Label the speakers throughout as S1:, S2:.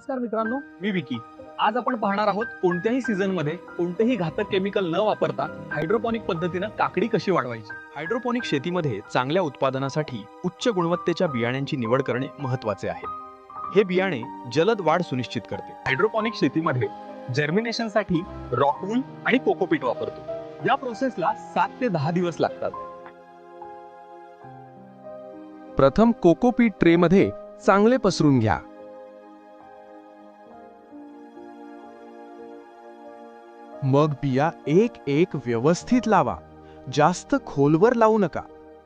S1: नमस्कार मित्रांनो, मी विकी. आज आपण पाहणार आहोत कोणत्याही सीझन मध्ये कोणतेही घातक केमिकल न वापरता हायड्रोपॉनिक पद्धतीनं काकडी कशी वाढवायची.
S2: हायड्रोपॉनिक शेतीमध्ये चांगल्या उत्पादनासाठी उच्च गुणवत्तेच्या बियाण्यांची निवड करणे महत्त्वाचे आहे. हे बियाणे जलद वाढ सुनिश्चित करते.
S1: हायड्रोपॉनिक शेतीमध्ये जर्मिनेशनसाठी रॉकवूल आणि कोकोपीट वापरतो. या प्रोसेसला 7 ते 10 दिवस लागतात.
S3: प्रथम कोकोपीट ट्रेमध्ये चांगले पसरून घ्या. मग बिया एक एक व्यवस्थित लावा. जास्त खोलवर लावू नका.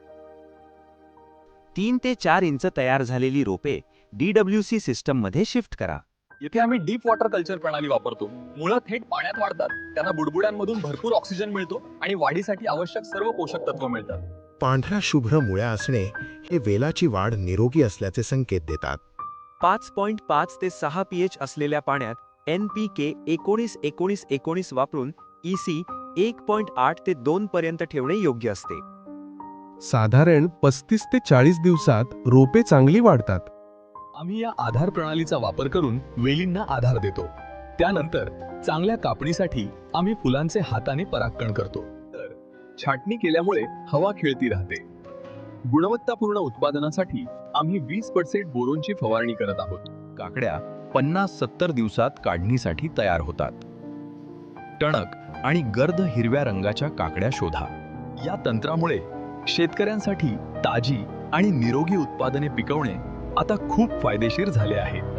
S4: 3 ते 4 इंच तयार झालेली रोपे DWC सिस्टम मध्ये शिफ्ट करा.
S1: येथे आम्ही डीप वॉटर कल्चर प्रणाली वापरतो. मुळं थेट पाण्यात वाढतात, त्यांना बुडबुड्यांमधून भरपूर ऑक्सिजन मिळतो आणि वाढीसाठी आवश्यक सर्व पोषक तत्व मिळतात.
S5: पांढऱ्या शुभ्र मुळ्या असणे हे वेलाची वाढ निरोगी असल्याचे संकेत देतात.
S4: 5.5 ते 6 pH असलेल्या पाण्यात NPK 19-19-19 वापरून EC 1.8 ते 2 पर्यंत ठेवणे योग्य असते.
S3: साधारण 35 ते 40 दिवसात रोपे चांगली वाढतात.
S1: आम्ही या आधार प्रणालीचा वापर करून वेलींना आधार देतो. त्यानंतर चांगल्या कापणीसाठी आम्ही फुलांचे हाताने परागकण करतो. तर छाटणी केल्यामुळे हवा खेळती राहते. गुणवत्तापूर्ण उत्पादनासाठी आम्ही 20% बोरोनची फवारणी करत आहोत.
S2: काकड्या 50-70 दिवसात काढणीसाठी तयार होतात. टणक आणि गर्द हिरव्या रंगाच्या काकड्या शोधा.
S1: या तंत्रामुळे शेतकऱ्यांसाठी ताजी आणि निरोगी उत्पादने पिकवणे आता खूप फायदेशीर झाले आहे.